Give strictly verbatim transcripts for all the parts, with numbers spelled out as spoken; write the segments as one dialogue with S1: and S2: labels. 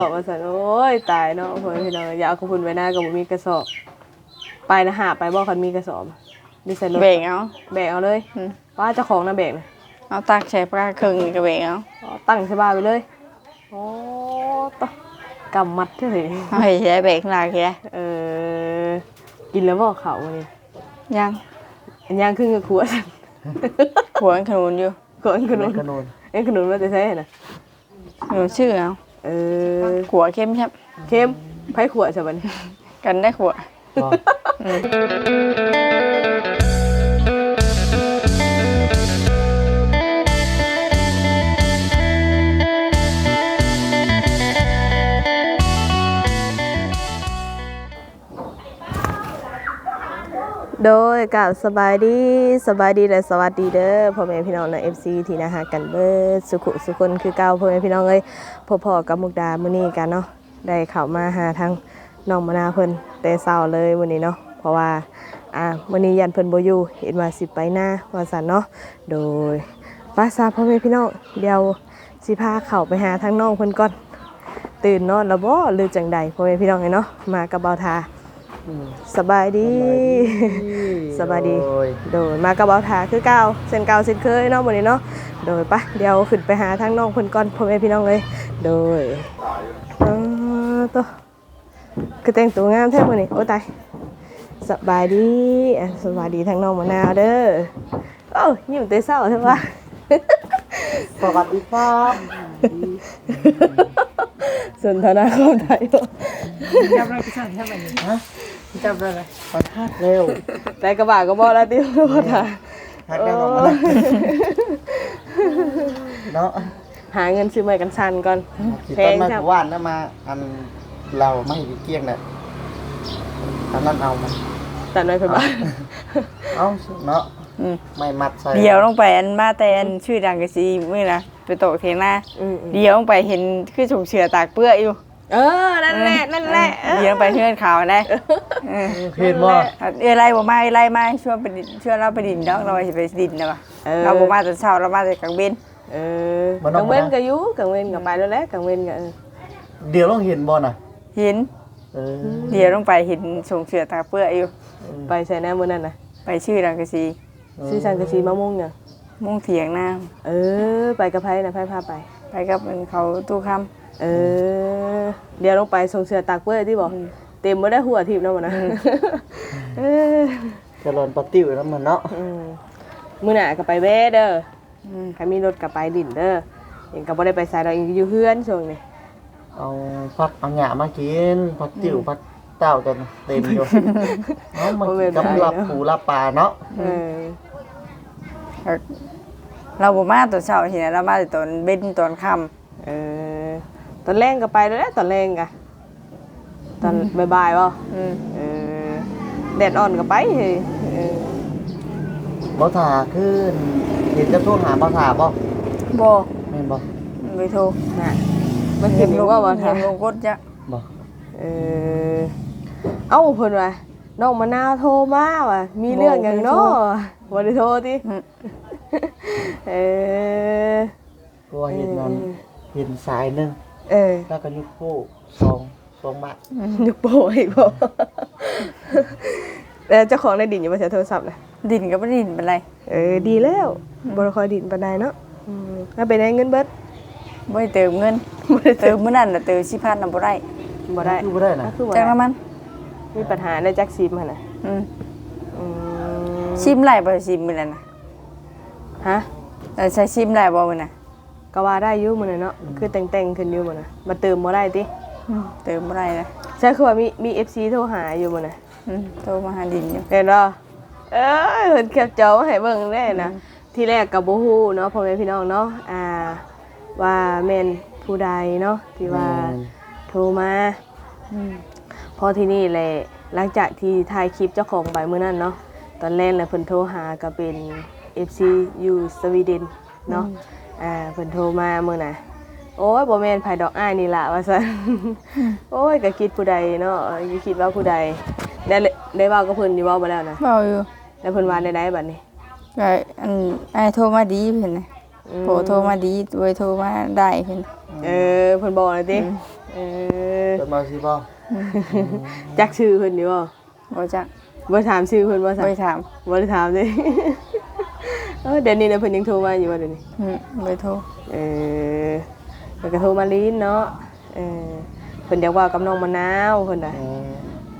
S1: บอกว่าสันโอ้ยตายเนาะเพื่อนพี่น้องอย่าเอาขบุนไว้หน้ากับมีกระสอบไปนะหาไปบอกคันมีกระสอบดิฉัน
S2: เบรกเอา
S1: แบกเอาเลยว่าเจ้าของนะแบกนะ
S2: เอาตักใช้ปลาครึ่งนี่ก็เบรกเอา
S1: ตั้งใช่บ้าไปเลยโอ้ตกำมัดเท่าไหร่
S2: เฮ้ยใช้เบรกลากแค่
S1: เออกินแล้วบอกเขาวันนี้
S2: ยัง
S1: ยังขึ้นกับขวด
S2: ขวดขนุนอยู่
S1: ขวดขนุนเอ็งขนุนว่าจะใช่น่ะ
S2: ขนุนชื่อเอา
S1: เออ
S2: ขวดเข้มใช่
S1: เข้มไผ่ขวดใช่ไหม
S2: กันได้ขวด
S1: โดยกับสบายดีสบายดีและสวัสดีเด้อพ่อแม่พี่น้องใน เอฟ ซี ที่นะฮะกันเบิดสุขุสุคนคือเก่าพ่อแม่พี่น้องเอ้ยพ่อๆกับมุกดามื้อนี้กันเนาะได้เข้ามาหาทางน้องมะนาวเพิ่นแต่เช้าเลยมื้อนี้เนาะเพราะว่าอ่ามื้อนี้ยันเพิ่นบ่อยู่เห็นว่าสิไปหน้าว่าซั่นเนาะโดยภาษาพ่อแม่พี่น้องเดี๋ยวสิพาเข้าไปหาทางน้องเพิ่นก่อนตื่นนอนแล้วบ่หรือจังใดพ่อแม่พี่น้องเอ้ยเนาะมากับเบาทาสบายดีสบายดีโดยมากระเป๋าถาคือเก่าเส้นเก่าเส้นเคยเนาะวันนี้เนาะโดยปะเดี๋ยวขึ้นไปหาทางน้องเพิ่นก่อนพ่อแม่พี่น้องเลยโดยอ๋อตัวคือแต่งตัวงามแท้มื้อนี้โอ้ตายสบายดีอ่ะสบายดีทางน้องมะนาวเด้อโอ้ยิ้มแต่เช้าใช่ปะ
S3: สวัสดีครับ
S1: สนทนาความไทย
S2: จับอะไรก็สั่งแค่แบบนี้ฮะจับอะไร
S3: ขอทักเร็ว
S1: แต่กระบะก็บอกแล้วที่ว่าถ่า
S3: ทักได้หรอมาเนาะ
S1: หาเงินซื้อไม้กันชันก่อน
S3: แพงมากว่านแล้วมาอันเราไม่เกี่ยงเลยอันนั้นเอามา
S1: แต่น้อยไปบ้าน
S3: เอาเนาะไม่มัดใส่
S2: เดี๋ยวลงไปอันมาแต่อันชื่อดังกะซีมื้อนะไปโตเทียงหน้าเดี๋ยวลงไปเห็นคือถุงเชือตากเปื้ออยู่
S1: เออนั่นแหละนั่นแหละ
S2: เดี๋ยวไปเพื่อนเขาได้
S3: เห็นบ่
S2: เออไล่บ่มาไล่มาช่วยไปช่วยเราไปดินดอกเราสิไปดินนะว่ะเราบ่มาแต่เช้าเรามาแต่กลางเว้น
S1: เออกลางเว้นก็อยู่กลางเว้นก็ไปแล้วแหละกลางเว้นก็
S3: เดี๋ยวต้องเห็นบ่น่ะ
S2: เห็น
S3: เออ
S2: เดี๋ยวลงไปเห็นถุงเชือตากเปื้ออยู่
S1: ไปใส่แน่มื้อนั้นน่ะ
S2: ไปชื่อดังกะซี
S1: ชื่อสังกะสีมะม่วงเนี่ย
S2: ม่วงเถียงน้
S1: ำเออไปกับไพ่นะไพ่พาไป
S2: ไปกับเขาตู้ค
S1: ำเออเดี๋ยวลงไปส่งเสือตากเปื้อที่บอกเต็มไม่ได้หัวทิพย์นะมันนะ
S3: จะรอนปติ้วแล้วมันเนาะ
S1: มือหน่ะกับไปเบ้เด้อใครมีรถกับไปดินเด้อเองกับไม่ได้ไปใส่เราเองอยู่เพื่อนช่วงนี้
S3: เอาพักเอาหยามากินพักติ้วพักเต้าจนเต็มอยู่เนาะมันกำลับปูลับปลาเนาะ
S2: เราบ่มาตอนเช้าเห็นเรามาตอนเบ็นตอนค่
S1: ำเออตอนแรงก็ไปแล้วตอนแรงกะตอนบ่ายๆป่ะเออแดดอ่อนก็ไปเฮ้ย
S3: บ่ถาขึ้นเห็นจะโทรหาบ่ถาบ่
S2: บ่
S3: แม่นบ่
S2: ไม่โทร
S1: น่ะมันเห็นอยู่ว่าบ่ถา
S2: ลงกดจ้ะ
S3: บ่
S1: เออเอ้าเพิ่นว่าน้องมะนาวโทรมาว่ะมีเรื่องหยังเนาะบ่ได้โทรติเออ
S3: ตัวเห็นนั้นเห็นสายนึง
S1: เออ
S3: แล้วก็ยุกโป้สองสองบาท
S1: ยุกโป้อีกบ่แล้วเจ้าของได้ดินอยู่บ่ใช้โทรศัพท์น่ะ
S2: ดินก็บ่ดินเป็นไร
S1: เออดีแล้วบ่ได้ค่อยดินปานใดเนาะอืมแล้วไปได้เงินเบิด
S2: บ่ได้เติมเงินบ่ได้เติมมื้อนั้นน่ะเติม สี่พัน น่ะบ่ได้
S1: บ่ได้
S3: คือบ่ได้น่ะ
S2: จังว่ามัน
S1: มีปัญหาในจักซิมหั่นน่ะ
S2: อืมอืมซิมไหลบ่ซิมมื้อนั้นน่ะ
S1: ฮะ
S2: เออใช้ซิมได้บ่มื้อน่ะ
S1: ก็ว่าได้อยู่มื้อนั้นเนาะคือแต่งๆขึ้นอยู่มื้อน่ะมาเติมบ่ได้ติ
S2: เติมบ่ได้นะ
S1: ใช่คือว่ามีมี เอฟ ซี โทรหาอยู่มื้อน่ะ
S2: อืมโทรมาหาดินอยู่
S1: เห็นบ่เอ้ยเพิ่นแคปจอมาให้เบิ่งได้นะที่แรกก็บ่ฮู้เนาะพ่อแม่พี่น้องเนาะอ่าว่าแม่นผู้ใดเนาะที่ว่าโทรมาอืมพอที่นี่แหละหลังจากที่ถ่ายคลิปเจ้าของใบมื้อนั้นเนาะตอนแรกน่ะเพิ่นโทรหาก็เป็น เอฟ ซี อยู่สวีเดนเนาะอ่าเพิ่นโทรมามื้อน่ะโอ้ยบ่แม่นไผดอกอ้ายนี่ล่ะว่าซั่นโอ้ยก็คิดผู้ใดเนาะอยู่คิดว่าผู้ใดได้ได้เว้ากับเพิ่นอยู่เว้าบ่แล้วนะ
S2: เว้าอยู่
S1: แล้วเพิ่นว่าได้ได้บัดนี้
S2: ก็อันอ้ายโทรมาดีเพิ่นน่ะโผโทรมาดีโดยโทรมาได้เพิ่น
S1: เออเพิ่นบอกเลยติเอเออ
S3: เกิดมาสิบ่
S1: จักชื่อเพิ่นอยู่บ่
S2: บ่จัก
S1: บ่ถามชื่อเพิ่นบ่
S2: บ่
S1: ซั่น
S2: ได้ถาม
S1: บ่ได้ถามเด้ เออเดี๋ยวนี้นะเพิ่นยังโทรมาอยู่บ่เดี๋ยวนี้
S2: อืมบ่ได้โทร
S1: เออเพิ่นก็โทรมาลิ้นเนาะเออเพิ่นอยากเว่ากับน้องมะนาวเพิ่นน่ะ
S3: อืม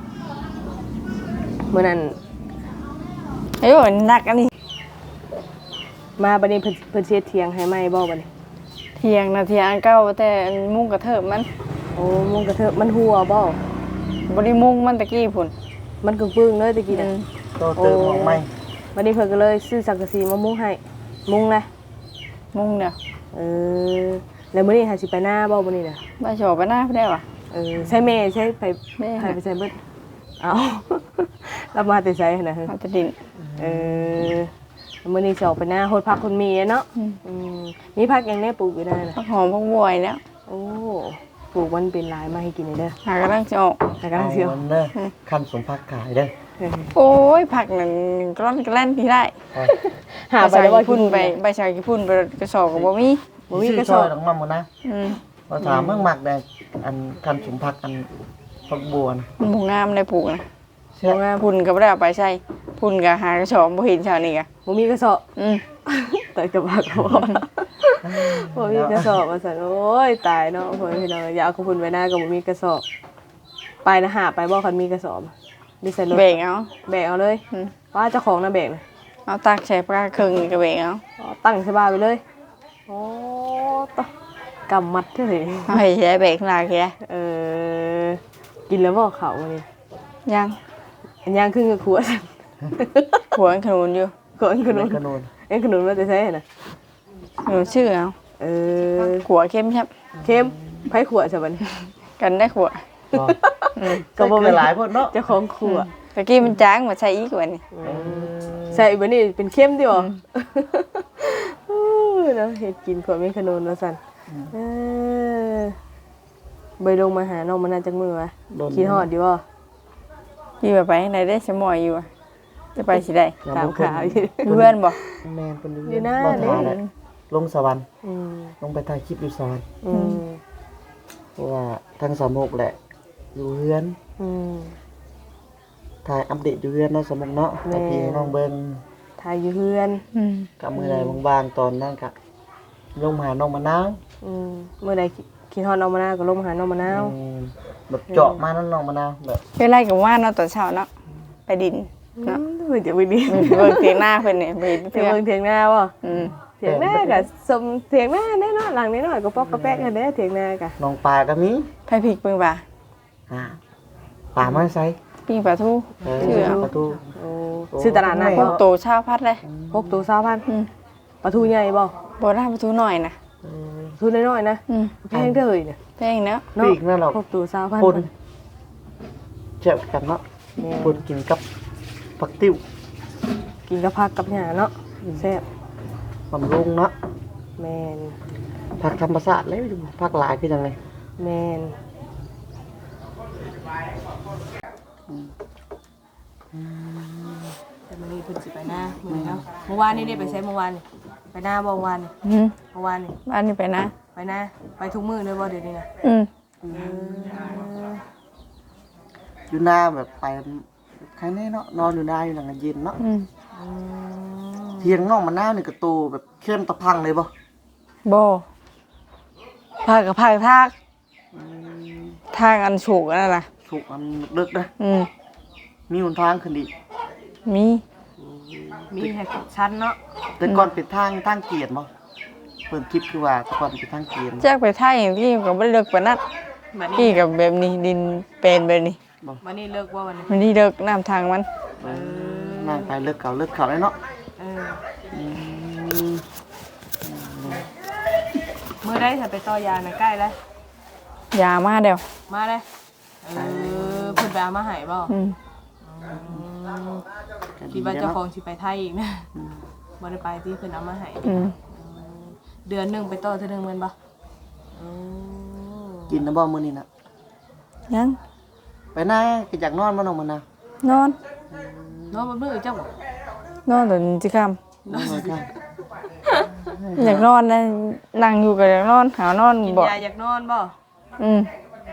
S1: มื้อนั้น
S2: เอ้ยมันหนักอันนี้
S1: มาบัดนี้เพิ่นเพิ่นสิเฮ็ดเถียงให้ใหม่บ่บัดนี้
S2: เที่ยงนะเที่ยงอันเก่าแต่อันมุ้งกระเทิบมัน
S1: โอ้มุงกระเทอะมันหัวบ่
S2: บ่ได้มุ้งมันตะกี้พุ่น
S1: มันกึ่งปึ้งเลยตะกี้น่ะ
S3: โตเติมของใหม่
S1: บัดนี้เพิ่นก็เลยซื้อสังกะสีมามุงให้มุงนะ
S2: มุ้งเดียว
S1: เออแล้วมื้อนี้หาสิไปหน้าบ่มื้อนี้น่ะ
S2: บ่ชอบไปหน้าได้ว่ะ
S1: เออใช่แม่ใช่ไป
S2: แม่
S1: ใครไปใส่เบิดเอ้า รับมาแต่ใส่หั่นน่ะ
S2: เอาแต่ดิน
S1: เออมื้อนี้สิออกไปหน้าโหดผักคนมีอะเนาะ
S2: อืม
S1: อืมมีผักอย่างแน่ปลูกอยู่ได้น่ะ
S2: ผักหอมผักบวยแล้ว
S1: โอ้ปลูกมันเป็นหลายมาให้กินเลยเด้อ
S2: หากำลังจะออก
S1: หากำลังเสียว
S3: อาเด้อคันสมพักขายเด้อ
S1: เออ
S2: โอ้ยผักนั่นกร้อนกระแล่นที่ได้
S1: หา
S2: ใบ
S1: ไปแล้วว่า
S2: พุ่นไปใบชากี่พุ่นไปกระสอบก็บ่มี
S1: บ่มีกระสอบ
S3: ชื่ซยดอกมันหมดนะ
S2: อืม
S3: เราถามเมื่อหมักแดงอันคันสมพักอันพักบัวนะ
S2: มันบ่งามได้ปลูกนะ
S3: เชื่อ
S2: พุ่นก็บ่ได้เอาไปใช้พุ่นก็หากระสอบบ่เห็นชาวนี้ก็
S1: บ่มีกระสอบ
S2: อืม
S1: แต่กระบะก็บ่บ่มีกระสอบว่าซั่นโอ้ยตายเนาะพ่อพี่น้องอย่าเอาของเพิ่นไว้หน้าก็บ่มีกระสอบ ไปนะหาไปบ่คันมีกระสอบดิใส่รถ
S2: แบ่งเอา
S1: แบกเอาเลย
S2: อืม
S1: ว่าเจ้าของน่ะแบกน่ะ
S2: เอาตักใส่ปลาครึ่งก็แบ่งเอา
S1: อ๋อตั้งใส่บ้านไปเลยโอ้ตะกำมัดเท่าไหร่
S2: เอาให้ใช้แบ่งหลายแค่
S1: เออกินแล้วบ่เขาวันนี้
S2: ยัง
S1: อันย่างครึ่งกับขวด
S2: หัวขนุนอยู่
S1: ขวดขนุน
S3: ขนุน
S1: เอ้ยขนุนมันจะใช่น่ะ
S2: หนูชื่อเอา
S1: เออ
S2: ขัวเข้มใช่
S1: เข้มไผขวดใช่บัดนี้
S2: กันได้ขัว
S3: ก็
S1: ก็บ่
S3: เป็
S1: แม่
S3: น
S1: น
S3: หลายคนเนาะ
S1: เจ้าของขวด
S2: ตะกี้มันจางมาใช้อีกว่านี่
S1: ใช่บัดนี้เป็นเข้มดิบ่อู้เนาะเฮ็ดกินขวดเป็นขนุนว่าซั่นเออไปลงมาหาน้องมันน่าจักมือวะคิดฮอดอยู่บ่
S2: อยู่แบบไปไหนได้สมอยอยู่อะจะไปสิได้
S1: ตามข่าวอยู่
S2: เพื่อนบ่
S3: แมนคน
S1: อยู่หน้า
S3: บ่
S1: นี่
S3: ทาเลยลงสวรรค์
S1: อืม
S3: ลงไปถ่ายคลิปอยู่สวรรค์
S1: อืม
S3: เพราะว่าทั้งสามโมกแหละ อยู่เฮือน
S1: อืม
S3: ถ่ายอัปเดตอยู่เฮือนเนาะสมมุกเนาะ
S1: แม่
S3: แต่พี่น้องเบิ่ง
S1: ทายอยู่เฮือน
S2: อืม
S3: กับมือใดบางๆตอนนั้นก็ลงมาหาน้องมะนาว
S1: อืมเมื่อใดคิดฮอดน้องมะนาวก็ลงมาหาน้องมะนาว
S3: อืมแบบเจาะมานั่นน้องมะนาวแบบ
S2: เคยไล่กับว่าเนาะตอนเช้าเนาะไปดินเนาะ
S1: เพิ่นจะไปดี
S2: เบิ่งเพียงหน้าเพิ่นเนี่ยไปดิน
S1: เถี
S2: เพื่
S1: ยง
S2: อน
S1: เบิ่งเถียงหน้าบ่
S2: อืม
S1: เถียงหน้าก็สมเถียงหน้าแน่นอนหลังแน่นอนก็ปอกกระแป๊กกันเด้อเถียงหน้าก็
S3: น้องปลาก็มี
S2: ไผพริกเบิ่งบ่า
S3: อ่าปลามาใส่
S2: ปิ้งปลาทู
S3: เออ
S2: ชื่อเอา
S3: ประตู
S1: โอ้ชื่อตลาดนัด
S3: โอ้
S1: บ่
S2: โตชาวพัดเลย
S1: พกตัว20,000
S2: อืม
S1: ปลาทูใหญ่บ่
S2: บ่ได้ปลาทูหน่อยนะ
S3: เออ
S1: ทูน้อยๆนะ
S2: อืม
S1: แพงเด้อเฮ้ยเนี่ย
S2: แพงเนาะ
S1: เนาะ
S3: ปีกนั่นเรา
S1: พกตัว20,000
S3: ปนเจ็บกันเนาะ
S1: แม่
S3: ปนกินกับผักติ้ว
S1: กินกับผักกับหญ้าเนาะแซ่บบ
S3: ำรุงเนาะ
S1: แม่น
S3: ผักธรรมชาติเลยผักหลายคือจังไง
S1: แม่นแต่มื้อนี้เพิ่นสิไปหน้ามื้อนี้เนาะเมื่อวานนี้ได้ไปใช้เมื่อวานนี่ไปหน้าบ่เมื่อวานนี่
S2: อืม
S1: เมื่อวานนี่
S2: บ้านนี้ไปนะ
S1: ไปหน้าไปทุกมื้อเลยบ่เดี๋ยวนี้นะ
S2: อืม
S1: เออ
S3: อยู่หน้าแบบไปใครแน่เนาะนอนอยู่หน้าอยู่หลังเย็นเนาะ
S2: อืม
S1: อืม
S3: เทียงน้องมันหน้านี่กระตูแบบเข้มตะพังเลยบ่
S2: บ่ภาคกับภาคทากทางอันสูงนั่นน่ะ
S3: สุกมันลึกนะ
S2: อืม
S3: มีหนทางขึ้นอีก
S2: มี
S1: มีให้ชั้นเนาะ
S3: แต่ก่อนเป็นทางทางเกียรติบ่เปิดคลิปคือว่าแต่ก่อนเป็นทางเกียรติ
S2: แจากไปท่าอย่างที่ก็บ่ได้เลิกปานนั้น
S1: วัน
S2: ที่
S1: นี้
S2: กับแบบนี้ดินเป็นแบบนี้
S1: วันนี้เลิกว่าวันนี้
S2: มันนี่เลิกน้ำทางมัน
S3: เออนั่งไปเลิกเก่าเลิกเก่าเลยเนาะ
S1: เออ
S3: อืม
S1: มื้อได้ถ้าไปต่อยาน่ะใกล้แล้ว
S2: ยามาเดียว
S1: มาเลยเออเพิ่นไปเอามาให้บ่
S2: อืม
S1: คิดว่าเจ้าของสิไปไทยอีกนะบ่ได้ไปที่เพิ่นเอามาให้
S2: อืม
S1: เดือนหนึงไปต่อเทื่อนึงแม่นบ่อืม
S3: กินน้ำบ่มื้อนี้น่ะ
S2: ยัง
S3: ไปหน้าก็อยากนอนบ่น้องมันนะ
S2: นอน
S1: เนาะบ่มื้อเจ้าบ่
S2: นอนตอนจิค
S3: นอนเลยค่ะ
S2: ำอยากนอนนะนั่งอยู่ก็อยากนอนหานอน
S1: กิน
S2: บ่
S1: ยาอยากนอนบ่
S2: อืม
S1: อ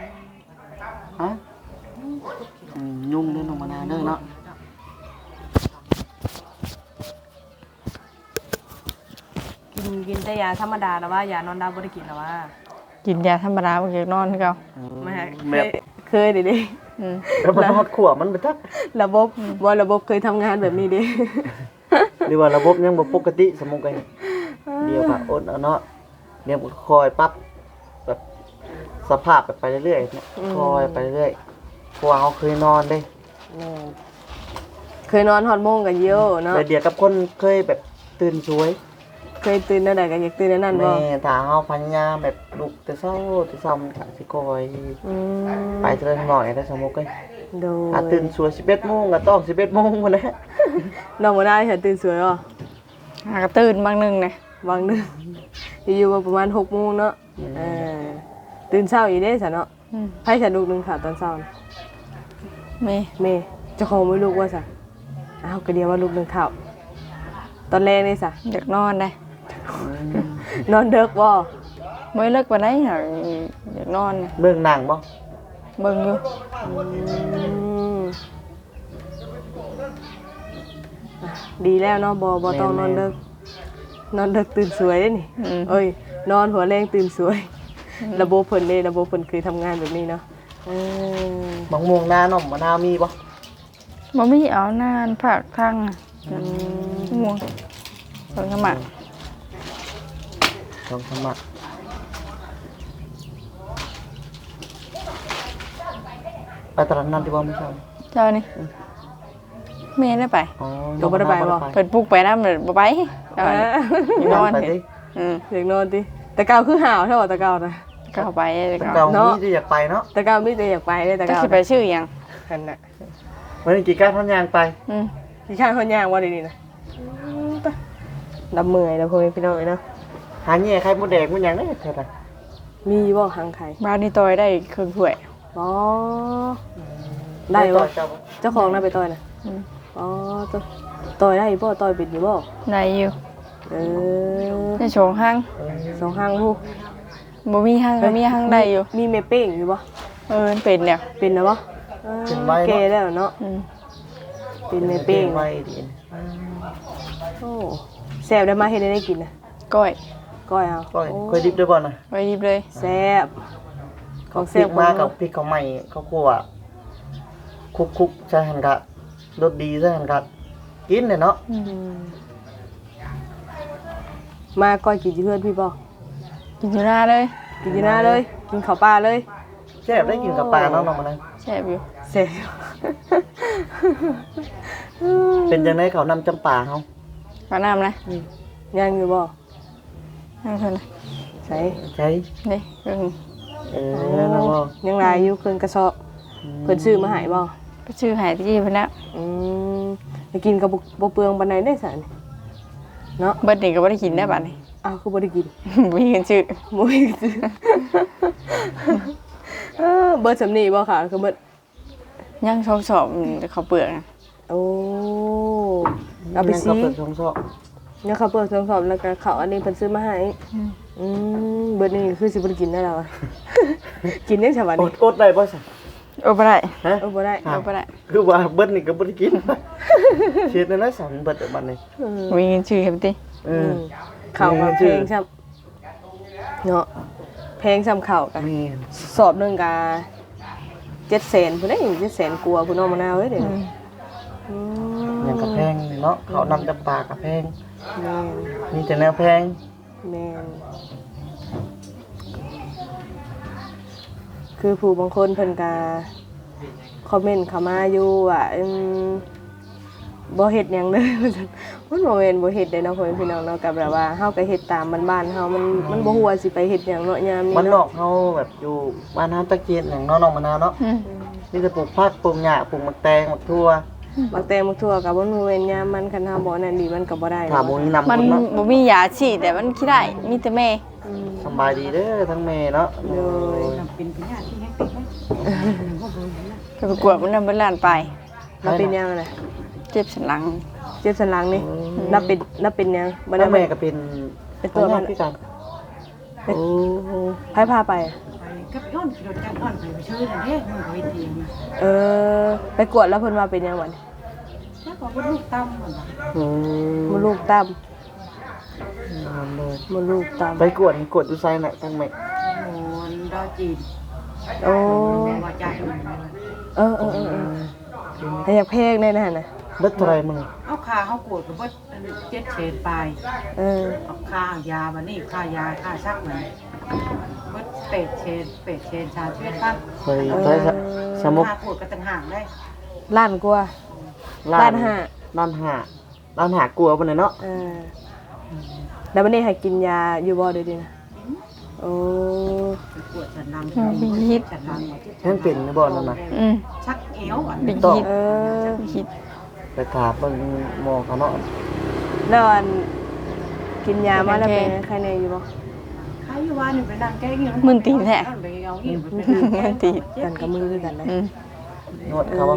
S1: ายาธรรมดาแล้วว่ายานอนดับบ่ได้กินแล้วว่า
S2: กินยาธรรมดาบ่เกี่ยวนอนคือเก่า
S1: ไม่เค
S3: แบ
S1: ย
S3: บ
S1: เคยดิดิ
S2: อืม
S3: แล้วมันฮอดขวบมันไปทัก
S1: ระบบบ่ระบบเคยทำงานแบบนี้ดิ
S3: หรือว่าระบบยังบ่ปกติสมมุติกันเดียวกับอดเอาเนาะเดี๋ยวคอยปรับแบบสภาพแบบไปเรื่อยๆเนี่ยคอยไปเรื่อยๆเพราะว่าเขาเคยนอนเด้
S1: เคยนอนฮอดโมงกันเยอะเนาะ
S3: แต่เดียวกับคนเคยแบบตื่นสวย
S1: เคยตื่นนั่นใดก็อยากตื่นนั่นบ่
S3: แม่ถ้าเฮาพยายามแบบลุกแต่เช้าแต่เช้ามันก็สิคอย
S1: อืม
S3: ไปเทื่อหน่อยได้สมมุติกัน
S1: โดย
S3: ถ้าตื่นสวยสิบเอ็ดโมงก็ต้องสิบเอ็ดโมงพุ่นแหละ
S1: น้องบ่ได้ค่ะตื่นสวยบ่
S2: หากระตื่นบางหนึงนะ
S1: บางนึงอยู่ๆประมาณหกโมงเนาะเออตื่นเช้าอีกเด้ซะเนาะ
S2: อืม
S1: ไผฉันลูกนึงค่ะตอนเช้าน่ะ
S2: แม่
S1: แม่เจ้าของไม่ลูกว่าซะอ้าวก็เดียวว่าลูกนึงข้าวตอนแรกนี่ซะ
S2: อยากนอนได้
S1: นอนเด็กบ่
S2: บ่เลิกปานใดหรอกอยากนอนน่ะ
S3: เบิ่งหนังบ่
S2: เบิ่งอยู่
S1: อืมอ่ะดีแล้วเนาะบ่บ่ต้องนอนเด็กนอนเด็กตื่นสวยเด้นี่
S2: อืม
S1: เอ้ยนอนหัวแรงตื่นสวย ระบบเพิ่นเด้ระบบเพิ่นเคยทำงานแบบนี้เนาะเออ
S3: มะม่วงหน้าหน่อมมะนาวมีบ่
S2: บ่มีเอานานภาคทางน่ะม่วงเพิ่นก็มา
S3: ลองสมัครไปตลาดนัดที่บ่ไม่ใช่
S2: เจ้านี่แม่ได้ไป
S3: อ๋อ
S1: ก็บ่ได้ไปบ่
S2: เพิ่นปลุกไปนำบ่ไปเจ้านี่อยากนอน
S3: ไป
S2: เห็น
S3: ดิ
S2: อืม
S1: อยากนอนติแต่เก่าคือห่าวเท่าว่าแต่เก่านะ
S2: ก็เอาไปแต่
S3: แต่
S2: ก็
S3: เก่า
S1: เนาะ
S3: มีที่อยากไปเนาะ
S1: แต่เก่ามีแต่อยากไปเด้แต่
S2: จะ
S1: เก่า
S2: สิไปชื่อหยัง
S1: คันน่ะ
S3: วันนี้กี่ก้าวท่านยางไป
S2: อืม
S1: พี่ข้างคนย่างว่าดีนี่นะดำเมื่อยแล้วพ่อแม่พี่น้องเอ้ยเนาะ
S3: หาแง่ใครมดแดงมันยังได้เท่าไหร่
S1: มีบ่หางไข่
S2: บ้านนี้ตอยได้ครึ่งถ้วย
S1: อ๋อได้บ่
S3: เจ้าบ่
S1: เจ้าของน่ะไปต่อยน่ะ
S2: อืม
S1: อ๋อต่อยต่อยได้บ่ต่อยเป็นอยู่บ่
S2: ได้อยู่
S1: เออ
S2: ในโชงห้าง
S1: สองหางผู้
S2: บ่มีห้างก็มีห้างได้อยู่
S1: มีแม่เป้งอยู่บ่
S2: เออมันเป็นแล้ว
S1: เป็นนะบ่เออแก่แล้วเนาะ
S2: อืม
S1: เป็นแม่เป้ง
S3: ไว้ดี
S1: โอ้แซ่บได้มาเฮ็ดให้ได้กินน่ะ
S2: ก้อย
S1: ก้อยเอา
S3: ก็ค่อยดิบด้วยบ่น่ะ
S2: ไว้รีบเลย
S1: แซ่บของ
S3: พริ
S1: แซ่บ
S3: กมากับพริกเขาใหม่เขาคั่วคุกๆใส่หั่นกะรสดีใส่หั่นกะกินเลยเนาะ
S1: อืมมาก้อยกินอยู่เพื่อนพี่บ่
S2: กินอยู่หน้าเลย
S1: กินอยู่หน้าเลย กินข้าวปลาเลย
S3: แซ่บได้กินกับปลาเนาะน้องมันนะ
S2: แซ่บอยู่
S1: เสร็จ
S3: เป็นจังได๋เขานำจำปาเฮา
S2: ปลาน้ำนะ
S1: ยังอยู่บ่
S2: นั่นเท่านั้น
S1: ใช่
S3: ใช่
S2: นี่เพิ่ง
S3: เออนั่นน่ะบ่
S1: ยังหลายอยู่เครื่องกระสอบเพิ่นซื้อมาให้บ่
S2: ไปชื่อหายที่เพิ่นแล้ว
S1: อืมไปกินกับบ่บ่เปลืองปานใดได้ซะนี่เนาะ
S2: เบิดนี่ก็บ่ได้กินได้บัดนี้
S1: อ้าวคือบ่ได้กิน
S2: บ่มีเงินชื่อ
S1: บ่มีซื้อเออเบิดสำนีบ่ค่ะคือเบิด
S2: ย่างชอบสอบเขาวเปลือกนะ
S1: โอ้เอาไป
S3: ยัง
S1: ซี
S3: ก็เปิดช่องซอก
S1: เนี่ยเขาเปิดสองสอบแล้วก็เขาอันนี้เพิ่นซื้อมาให้อืมเบิดนี่คือสิบ่ได้กินได้แล้วอะ กินได้ฉบับ
S3: อ
S1: นี้
S3: ดอดได้บ่ซั่น
S2: โอ้บ่ได้
S3: ฮะ
S1: เออบ่ได้
S3: อ้า
S2: เอา
S3: ว
S2: บ่ได้
S3: คือว่าเบิดนี่ก็บ่ได้กิน เฮ็ดนั่นน่ะสั่นเบิดอะบัดนี้
S1: อืม
S2: บ่มีเงินชื่อเฮ็ดติ
S3: เอ
S1: อื
S3: อ
S1: มข้าวกับเพลงซ้ำเนาะเพลงซ้ำข้าวกัน
S3: มี
S1: สอบหนึงก็เจ็ดแสนพุ่นเด้เจ็ดแสนกว่าพุ่นเอามะนาวเอ้ยเด้ออืม
S3: หยังกะแพงนี่เนาะเขานำจำปากะแพง
S1: แม่น
S3: มีแต่แนวแพง
S1: แม่นคือผู้บางคนเพิ่นก็คอมเมนต์เข้ามาอยู่ว่าอืมบ่เฮ็ดหยังเลย ว่าซั่นมันบ่แม่นบ่เฮ็ดเด้เนาะพ่อแม่พี่น้องเนาะก็แบบว่าเฮาก็เฮ็ดตามบ้านๆเฮามันมันบ่ฮู้ว่าสิไปเฮ็ดหยังเนาะยามนี้
S3: มันนอ
S1: เนาะ
S3: กเฮาแบบอยู่บ้านเฮาตะเกียนหยังเนาะน้องมะนาวเนาะ
S2: อืม
S3: นี่จะปลูกผักปลูกหญ้าปลูกมะแตงมะทั่ว
S1: บางแตงบางทั่วก็บ่แม่นยามมันคันเฮาบ่นั่นดีมันก็บ่ได้
S3: ถามบ่มีนำ
S2: มัน
S3: คนเนาะ
S2: บ่มียาฉีดแต่มันคิดได้มีแต่แม่
S1: อืม
S3: สำบายดีเด้อทั้งแม่เนาะ
S1: โดย
S2: ไปประกวดมันนำเบิดล้านไป
S1: เราเป็นยังน่ะ
S2: เจ็บสันหลัง
S1: เจ็บสันหลังนี่นับเป็นนับเป็นยังบ่
S3: แล้
S1: ได้
S3: ว
S1: แม่
S3: แม่ก็เป็น
S1: เป็นตัวมัน
S3: พี่กันโอ้
S1: ไผพาไปอะ
S4: กับย้อนรถจักรย้อนไปชื่อนั่นเด้มันก็เฮ็ดเองนะ
S1: เออไปกวดแล้วเพิ่นว่าเป็นยังวัน
S4: แล้วก็บ่ลูกตำมันว่า
S3: อืม
S1: มดลูกตั้ม
S3: นั่นเลย
S1: มดลูกต่ำ
S3: ไปกวดกวดอยู่ไซน่ะทั้งแม่
S4: โอ้ยดอจีน
S1: โอ้
S4: ว่าใจมัน
S1: เออเออเออเออให้อยากเพลงได้นะน่ะ
S3: เบิดเท่าไหร่มึง
S4: เอาคาเขากวดกับเบิดเจ็ดเศษปลาย
S1: เออ
S4: เอาค่ายาบันนี้ค่ายาค่าซักเหมือนเบิดเป็ดเชนเป็ดเชนชาเชือดปั้น
S3: เคยใช้สมุก
S4: ค่ากวดกันต่างหากได้
S1: ล้านกว่า ล้านห้า
S3: ล้านห้าล้านห้ากลัวปานนั้นเนาะ
S1: เออแล้ววันนี้ให้กินยาอยู่บ่เดี๋ยวนี้นะโอ้
S4: กวดฉันนำยิบฉันนำ
S3: ยังเป็นในบ่นั่นน่ะ
S2: อืม
S4: ชักเอวอ่ะ
S2: เป็น
S3: ต้อง
S2: คิด
S1: เออ
S2: คิด
S3: ไปถามเบิ่งหมอเขาเนาะ
S1: แล้วอันกินยามาแล้วเป็นไงใครในอยู่บ่
S4: ใครอยู่ว่านี่ไปนั่งแก้งี้ไปเอางี้ไปเป็น
S2: มันตี
S1: กันกับมือคือกันนะ
S2: อืม
S3: นวดเขาว่า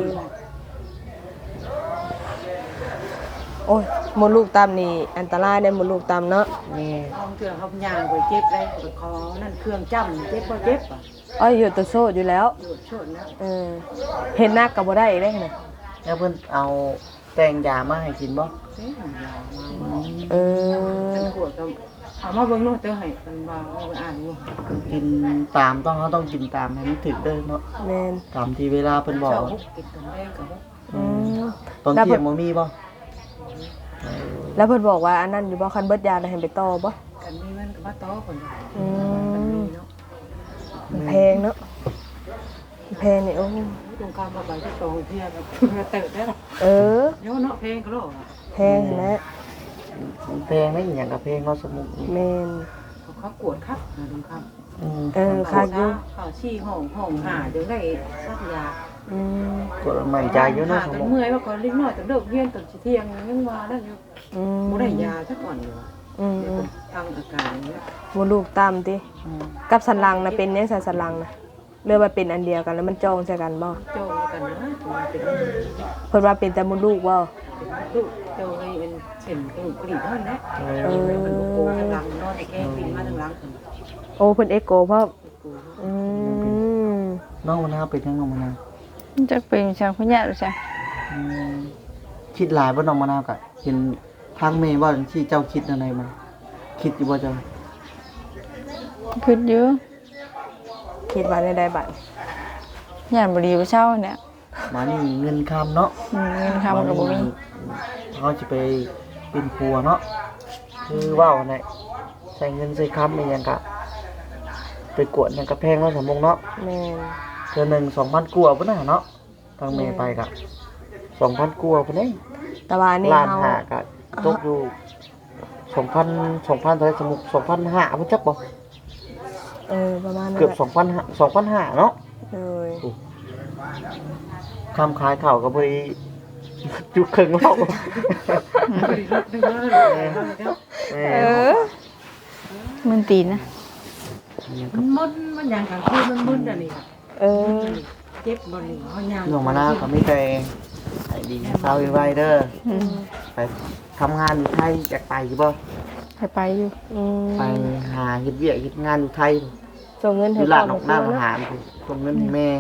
S1: โอ้ยมดลูกตามนี่อันตรายได้มดลูกตามเนาะ
S3: นี่
S4: ห้องเครื่องเขายางไปเจ็บได้ไปคอนั่นเครื่องจ้ำเจ็บบ่เจ็บอ่ะ
S1: อ้อยอยู่ตัวโซดอยู่แล้ว
S4: หยุดชนนะ
S1: เออเห็นหน้ากับบ่ได้อีกได้นะ
S3: แล้วเพิ่นเอาแต่งยามาให้กินบ่
S4: เสียงยาวมา
S1: เออ
S4: เป็นขวดก็เอามาเบิ่งโน้ตเตอร์ให้มันว่าเอาไปอ่านดู
S3: กินตามต้องเขาต้องกินตามให้มันถึกเด้อเนาะ
S1: แม่น
S3: ตามที่เวลาเพิ่นบอก
S4: เช้าฮุกกินตอนแรกกับฮุก
S1: อืม
S3: ตอน
S1: แล้ว
S3: เที่
S1: เพิ่
S3: ย
S1: น
S3: งบ่มีบ่
S1: แล้วเพิ่นบอกว่าอันนั้นอยู่บ่คันเบิดยาแล้วให้ไปต่อบ่
S4: กันมีมันกับว่าต้อคน
S1: อื
S4: มัน
S1: ม
S4: มีเนาะ
S1: แพงเนาะแพงนี่โอ้
S4: ตรงกลางมาใบที่โตเพียแบบเติร์ดได้หรอ
S1: เออ
S4: เดี๋ยวเนาะเพลงก็โลก
S1: แพงนะ
S3: แพงได้อหยังกับเพลงเนาะสมุก
S1: แม่น
S4: เขาเขากวดครับนะตรงข้าม
S3: อืม
S1: เออค่ะอยู่
S4: เขาชี้ห้องห้องหาเดี๋ยวได้ซักยา
S1: อืม
S3: กดมั่นใจอยู่เนาะส
S4: จน
S3: มุก
S4: เมื่อยว่าก่อนเล็กน้อยจนเลิกเรียนตอนเที่ยงยังว่านั่นอยู่
S1: อืม
S4: บ่ได้ยาสักก่อนอยู่
S1: อืมอืม
S4: ทางอาการนี้
S1: มดลูกตามติ
S3: อืม
S1: กับสันหลังนะเป็นยังไงสันหลังนะเรือว่าเป็นอันเดียวกันแล้วมันจองใส่กันบ่
S4: โจกันนะตัวเป็น
S1: เพิ่นว่าเป็นแต่มดลูกบ่
S4: ลูกโจให้เป็นเส้นกระดูกกระดิ่งเท่านั้นแหละ
S3: เอ
S1: เอ
S3: อ
S1: อ
S4: เป็นโกทางหลังนอนแก้ปีนมาทางหลัง
S1: โอ้เพิ่นเอ็กโกเพราะอืม
S3: น้องมะนาวเป็นยังน้องมะนาว
S2: จะเป็นชาวพญาหรือจ้ะ
S3: อืมคิดหลายบ่น้องมะนาวก็เห็นทางเมย์ว่าที่เจ้าคิดอะไรมันคิดอยู่บ่เจ้า
S2: คิดเยอะ
S1: คิดว่าในใดบัด
S2: ย่านบ่ดีบ่เช่าเนี่ย
S3: มานี่เงินคำเนาะ
S2: อืมเงินคำก็บ่มี
S3: เขาจะไปเป็นครัวเนาะคือว่าวเนี่ยใส่เงินใส่คำอะไรอย่างกะไปกวดอย่างกะแพงเนาะสมมงเนาะ
S1: แม่น
S3: เทือหนึ่งสองพันกัวพุ่นน่ะเนาะทางเมย์ไปกะสองพันกัวพุ่นเอง
S1: แต่ว่านี่
S3: ล้าน
S1: เฮา
S3: หากะตกอยู่สองพันสองพันเท่าไหรสมมุกสองพันห้าพุ่นจักบ่
S1: เออประมาณนั้น
S3: เกือบสองพันห้าสองพันห้าเนาะ
S1: เลย
S3: คำขายเข่าวก็ไปจุกครึ่งเล่า
S4: บริษัทนึงแล้วเลย
S3: แม่
S2: เออมันตีนนะ
S4: มันมึนมันอย่างกลางคืนมันมึนอันนี้
S1: เออ
S4: เจ็บบริเขายาง
S3: หนูมาหน้าก็ไม่เคยไอ้ดีเศร้าไว้เด้อ
S2: อืม
S3: ไปทำงานอยู่ไทยอยากไปอยู่บ่
S2: ไปไปอยู่
S1: อืม
S3: ไปหาเฮ็ดเวียกเฮ็ดงานอยู่ไทย
S1: ส่งเงิน
S3: อ
S1: ให้
S3: ยู่
S1: พ่
S3: ร้า
S1: อน
S3: ออกหน้าอาหารส่งเงินให้แม่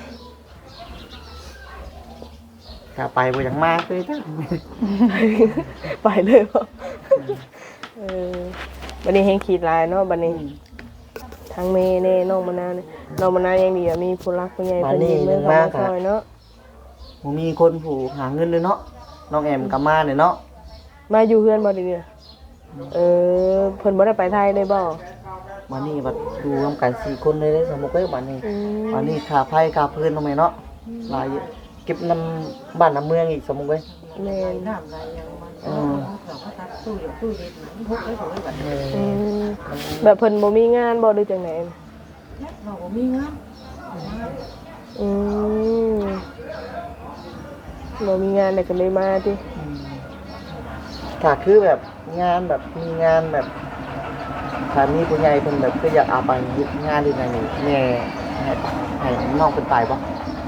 S3: ถ้าไปบ่อยากมากเลยจ้ะ
S1: ไปเลยบ่เออบัดนี้เฮงขีดลายเนาะบัดนี้ทางเมย์เน่น้องมะนาวนี่น้องมะนาวยังดีอะมีผู้รักผู้ใหญ่เพิ่นยืมเงินเข้ามาซอยเนาะ
S3: บ่มีคนผู้หาเงินเลยเนาะน้องแอมก็มาเนี่ยเนาะ
S1: มาอยู่เฮือนบ่เดี๋ยวนี้เออเพิ่นบ่ได้ไปไทยเลยบ่
S3: มานี่บัดดูร่วมกันสี่คนเลยเด้อสมมุติว่าบัดนี้
S1: อืม
S3: อันนี้ค่าไฟค่าพื้นทำไมเนาะหลายอยู่เก็บน้ำบ้านน้ำเมืองอีกสมมุติเว้ย
S1: แม่น
S4: น้ำอะไรอย่างมันเขาเขาทัดตู้อยู่ตู้เย็นมันพกไว้ของไว้แบบ
S3: เออ
S1: อืมแบบเพิ่นบ่มีงานบ่หรือจังได๋
S4: เราก็มีงาน
S1: อืมบ่มีงานแล้วก็เลยมาติ
S3: อืมถ้าคือแบบงานแบบมีงานแบบถ้ามีผู้ใหญ่เพิ่นแบบคืออยากเอาไปเฮ็ดงานที่ไหนนี่แม่ให้ให้น้องเพิ่นไปบ่
S4: เนาะ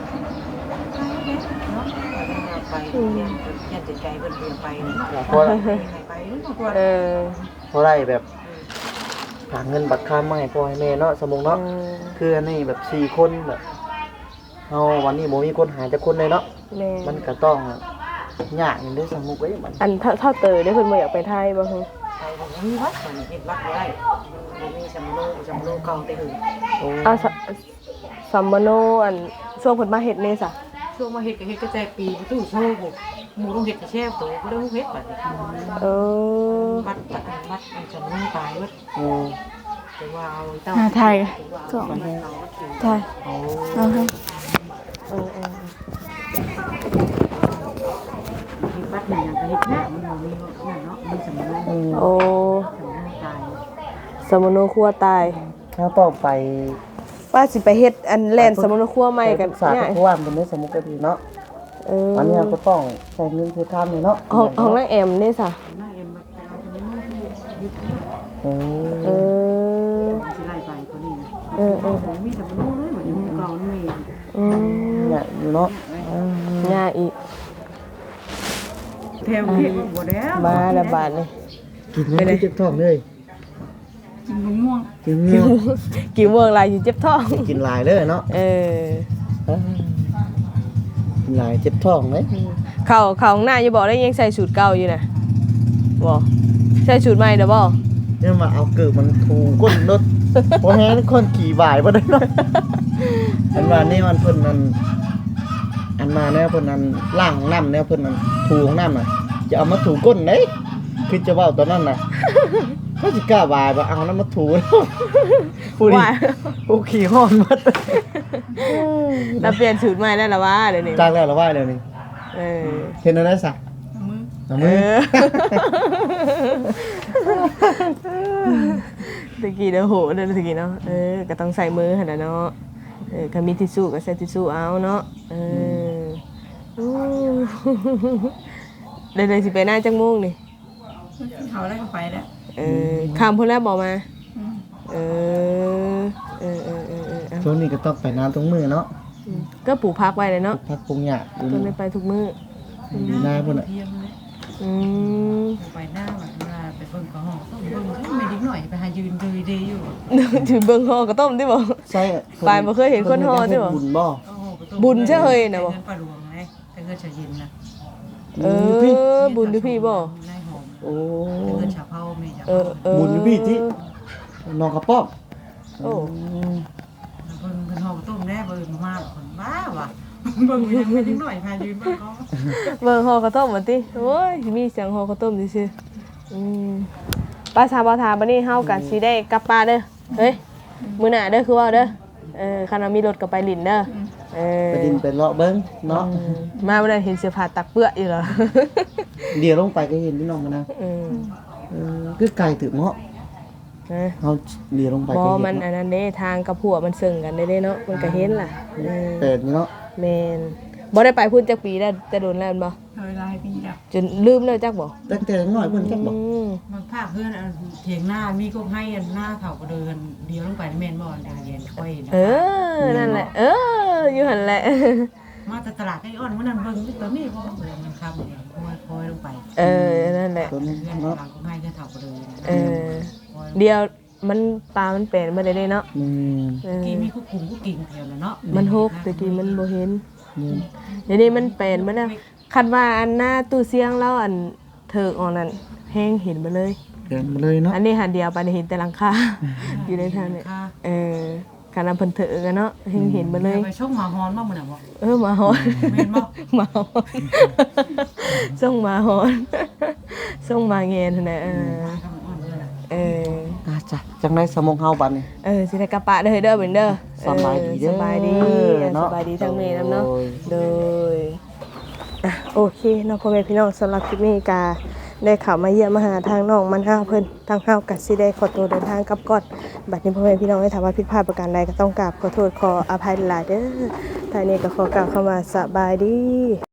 S4: ไปเรียนเรียนจิตใจเพิ่นเรียนไปเนาะ
S3: เพราะ
S4: ไปเนาะ
S1: เออ
S3: เพราะไรแบบหาเงินบัตรค่ามาให้พ่อให้แม่เนาะสมมุติ
S1: เอ
S3: เนาะ
S1: อ
S3: คืออันนี้แบบสี่คนแบบเฮาวันนี้บ่มีคนหาจักคนเลยเนาะ
S1: แม่
S3: มันก็ต้องยากอย่างเด้อสมมุติเว้ยมัน
S1: อันเท่าเท่าเตยได้เพิ่นบ่อยากไปไทยบ่ฮึ
S4: ไปผมมีวัดมันเห็นวัดบ่ได้มันมีสัมโลสัมโลเก่าแต่หึง
S3: โอ้
S1: เอาสสัมมโนอันช่วงเพิ่นมาเฮ็ดนี่ซะ
S4: ช่วงมาเฮ็ดก็เฮ็ดก็ใจปีประตูโซ่บ่หมู่ต้องเฮ็ดแช่โตบ่ได้เฮ็ดบัดนี้
S1: เออ
S4: วัดตะวัดอันสัมโลตายวัด
S3: โอ้
S4: แต่ว่าเอาเต้า
S2: อ่าถ่าย
S4: ก็มันเอาวัดถึง
S2: ถ่าย
S3: โอ้
S2: เอาให้
S1: เออเออ
S4: เฮ็ดวัดนี่ยังก็เฮ็ดหน้ามันบ่มีนั่นเนาะมีสัมโล
S3: อืม
S1: โอ้
S4: สัมโลตาย
S1: สัมมโนครัวตาย
S3: ถ้าต้องไป
S1: ว่าสิไปเฮ็ดอันแล่นสัมมโนครัวใหม่กัน
S3: สา
S1: เนี่ย
S3: เพราะว่ามันเป็นสมุกกะดีเนาะ
S1: เออ
S3: อันนี้เราก็ต้องใช้เงินคือทำนี่เนาะ
S1: ห้องห้องนางแอมนี่ซะ
S4: หน้าเอ็มมาเอาตรงนี้ยึด
S3: โอ้
S1: เออ
S4: สิไล่ไปเขานี่นะ
S1: เออเออ
S4: ผมมีสัมโลเลยเหมือนหมู่เก่านี่
S1: อืม
S3: เนี่ยอยู่เนาะอืม
S1: ง่ายอีก
S4: แถวเฮ็ดบ่แล้ว
S1: มาละบาดนี่
S3: กินไม่ได้เจ็บท้องเลย
S4: กินมะม่วง
S3: กินเงี้ย
S1: กี่เมืองหลายอยู่เจ็บท้อง
S3: กินหลายเลยเนาะ
S1: เออ
S3: เอ้ยกินหลายเจ็บท้องเลย
S1: เข้าเข้าข้างหน้าอยู่บ่ได้ยังใส่สูตรเก่าอยู่น่ะบ่ใส่สูตรใหม่เด้อบ่
S3: เนี่ยมาเอาเกิดมันถูก้นรถเพราะแห้งคนขี่บ่ายบ่ได้เนาะอันว่านี่มันเพิ่นนั่นอันมาเนี่ยเพิ่นนั่นล้างน้ำเนี่ยเพิ่นนั่นถูของน้ำน่ะจะเอามาถูก้นเด้คือจะเว้าตอนนั้นน่ะเขาสิกล้าบ่ายบ่เอาน้ำมาถูผู้ดิ
S1: ว่า
S3: ผู้ขี่ห้อนหมด
S1: เราเปลี่ยนสูตรใหม่แล้วล่ะว่าเดี๋ยวนี้
S3: จ้างแล้วละว่าเดี๋ยวนี้
S1: เออ
S3: เห็นอะไรซะ
S4: มือ
S3: เอา
S1: เอ
S3: มือ
S1: อตะกี้เด้อโหเด้อตะกี้เนาะเออก็ต้องใส่มือหั่นน่ะเนาะเออก็มีทิชชู่ก็ใส่ทิชชู่เอาเนาะเอออู้เดี๋ยวๆสิไปหน้าจังโมงนี่
S4: เขาได้ก็ไปแล้ว
S1: เออข้ามพุ่นแล้วบอกมาเออเออเออเออเออเอา
S3: ช่วงนี้ก็ต้องไปน้ำตรงมือเนาะ
S1: ก็ปลูกพักไว้เลยเนาะ
S3: พักปรุงหยาอยู่
S1: ก็ไม่ไปทุกมื้อ
S3: อยู่หน้าพุ่นน่ะ
S4: เทียมเลย
S1: อืม
S4: ไปหน้าแบบเวลาไปเบิ่งก็ห้องต้องเบิ่งไม่ดิ้งหน่อยไปหายืนดูดีอยู่
S1: ถือเบิ่งห่อกระต้มที่บอก
S3: ใช่
S1: ปลายบ่เคยเห็นคนห่อใช่ปะ
S3: บุญบ่
S1: บุญเชื่อเฮยนะบ่
S4: เงินปลาหลวงไงแต่เงินชาเย็นนะ
S1: เออบุญดูพี่บ่
S4: นายหอม
S3: โอ้
S4: แต่เงินชาเผาไม่ชา
S1: เออเออ
S3: บุญอยู่พี่ที่น้องกระป๋อม
S1: โอ้
S4: เบิ่งเงินห้องต้มแน่เบิ่งมาคนบ้าว่ะเบิ่งยังไม่ดิ้งหน่อยพายืนเบิ่งก็
S1: เบิ่งห่อกระต้มมาติโอ้ยมีเสียงห่อกระต้มซื่อๆอืมป้าชาบ่ทาบัดนี้เฮาก็สิได้กลับป่าเด้อเฮ้ยมื้อหน้าเด้อคือว่าเด้อเออคันว่ามีรถก็ไปลิ้นเด้อเออ
S3: ไปดินไปเลาะเบิ้งเนาะ
S1: มาวันนั้นเห็นเสื้อผ้าตักเปื้ออยู่เหรอ
S3: เดี๋ยวลงไปก็เห็นพี่น้องกันนะ
S1: อืม
S3: เออคือไก่ถือเนาะ
S1: นะ
S3: เขาเดี๋ยวลงไป
S1: บ
S3: ก็
S1: อ
S3: เห็น
S1: มันอันนั้นเด้ทางกับผัวมันซึ่งกันได้เด้เนาะมันก็เห็นล่ะเออ
S3: แต่นี่เนาะ
S1: แม่นบ่ได้ไปพุ่นจักปีแล้วจะโดนแล้วแม่นบ่
S4: เคยลายปีดับ
S1: จนลืมแล้วจักบ่
S3: ตั้งแต่น้อยเพิ่นจักบอก
S1: อืม
S4: มันภาคเพื่อนเถียงหน้ามีก็ให้อันหน้าเขาก็เดินเดียวลงไปแม่นบ่เดินเย็นค่อย
S1: เออนั่นแหละ เอออยู่หั่นแหละ
S4: มาแต่ตลาดไอ้อ้อนวันนั้นเบิ่งตอนนี้บ่เดินมันคำเนี่ยค่อยๆลงไป
S1: เออนั่นแหละ
S3: ตัวนี้
S4: เพื่อน
S3: เนาะ
S4: หลังก็ให้ก็เฒ่าก็เดิน
S1: เออเดียวมันปลามันเป็นบ่ได้เด้เนาะ
S3: นี่
S1: เออ
S4: กี้มีคุกคุงคุกกิ่งแถวแล้วเนาะ
S1: มันหกแต่กี้มันบ่เห็น
S3: นี่
S1: เดี๋ยวนี้มันเป็นมาแล้วคันว่าอันหน้าตู้เสียงแล้วอันเถิกออกนั่นแห้งเห็นมาเลย
S3: เดินมาเลยเนาะ
S1: อันนี้หันเดียวไปเห็นแต่หลังคา อยู่ในทางเนี่ยเออคันนำเพิ่นเถิกกันเนาะเห็นเห็นมาเลย
S4: ไปช่องหมาฮอนบ่มื้อน่ะบ่
S1: เออหมาหอน
S4: แม่นบ่
S1: หมาหอนส่งหมาหอนส่งหมาเงียนนั่นน่ะเออ
S4: คำอ้อนเด้อ
S1: เออ
S3: อ่ะจ้ะจังได๋สมองเฮาบัดนี้
S1: เออสิได้กระปะเด้อเด้อเบิ่นเด้อ
S3: สบายดีเด้อ
S1: สบายดี
S3: เนาะ
S1: สบายดีทั้งแม่นำเนาะ
S3: โดย
S1: โดยอ่ะโอเคเนาะพ่อแม่พี่น้องสำหรับคลิปนี้กาได้เข้ามาเยี่ยมมาหาทางน้องมันห้าเพิ่นทางเฮาก็สิได้ขอตัวเดินทางกลับก่อนบัดนี้พ่อแม่พี่น้องได้ถามว่าผิดพลาดประการใดก็ต้องกราบขอโทษขออภัยหลายเด้อท้ายนี้ก็ขอกล่าวคำว่าสบายดี